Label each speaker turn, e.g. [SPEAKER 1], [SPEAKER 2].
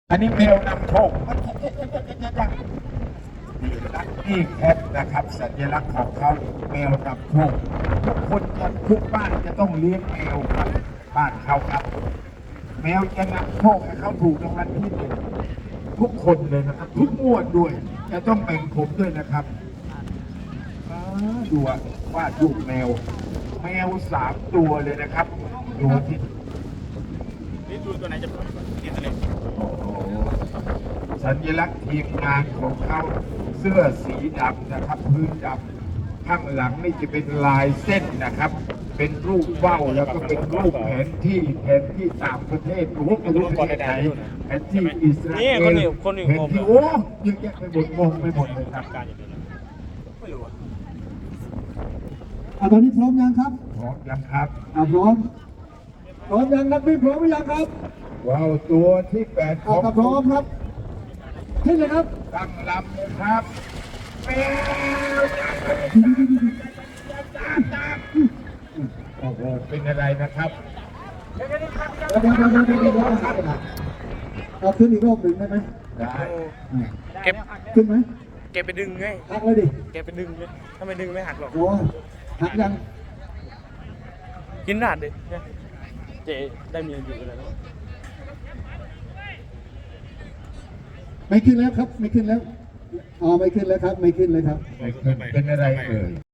[SPEAKER 1] อันนี้แมวนำโชคนี่แคทนะครับสัญลักษณ์ของเขาแมวนำโชคทุกคนทุกบ้านจะต้องเลี้ยงแมวครับบ้านเขาครับ แมวจะนำโชคให้เขาถูกรางวัลที่หนึ่งทุกคนเลยนะครับทุกงวดด้วยจะต้องแบ่งผมด้วยนะครับดูว่าดรูปแมว3 ตัวเลยนะครับดูที่
[SPEAKER 2] นี่ดูตัวไหนจะเป็นนี่ตัวนี้
[SPEAKER 1] สัญลักษณ์ทีมงานของเขาเสื้อสีดำนะครับพื้นดำข้างหลังนี่จะเป็นลายเส้นนะครับ เป็นรูปว่าวแล้วก็เป็นรูปแผนที่ต่างประเทศโอ้โหไม่รู้ประเทศไหนแผนที่อิสราเอลแผนที่โอ้เยอะแยะไปหมดงงไปหมดเลยครับ
[SPEAKER 2] ไม่รู้
[SPEAKER 3] ตอนนี้พร้อมยังครับ
[SPEAKER 1] พร้อมยังครับ
[SPEAKER 3] พร้อมยังนักบินพร้อมหรือยังครับ
[SPEAKER 1] ว้าวตัวที่8ของ
[SPEAKER 3] พร้อมครับขึ้นเลยครับ
[SPEAKER 1] ตั้งลำเลยครับแมวโอ้โหเป็นอะไรนะครับ
[SPEAKER 3] เอาขึ้นอีกรอบหนึ่งได้ไหม
[SPEAKER 1] ได้
[SPEAKER 2] เก็บ
[SPEAKER 3] ขึ้นไหม
[SPEAKER 2] เก็บไปดึงไง
[SPEAKER 3] หักเลยดิ
[SPEAKER 2] เก็บไปดึงเลยถ้าไม่ดึงไม่หักหรอก
[SPEAKER 3] โอ้หักยัง
[SPEAKER 2] กินหนาดดิเจได้เมียอยู่แล้ว
[SPEAKER 3] ไม่ขึ้นแล้วครับไม่ขึ้นแล้วไม่ขึ้นแล้วครับไม่ขึ้นเลยครับ
[SPEAKER 1] เป็นอะไรเอ่ย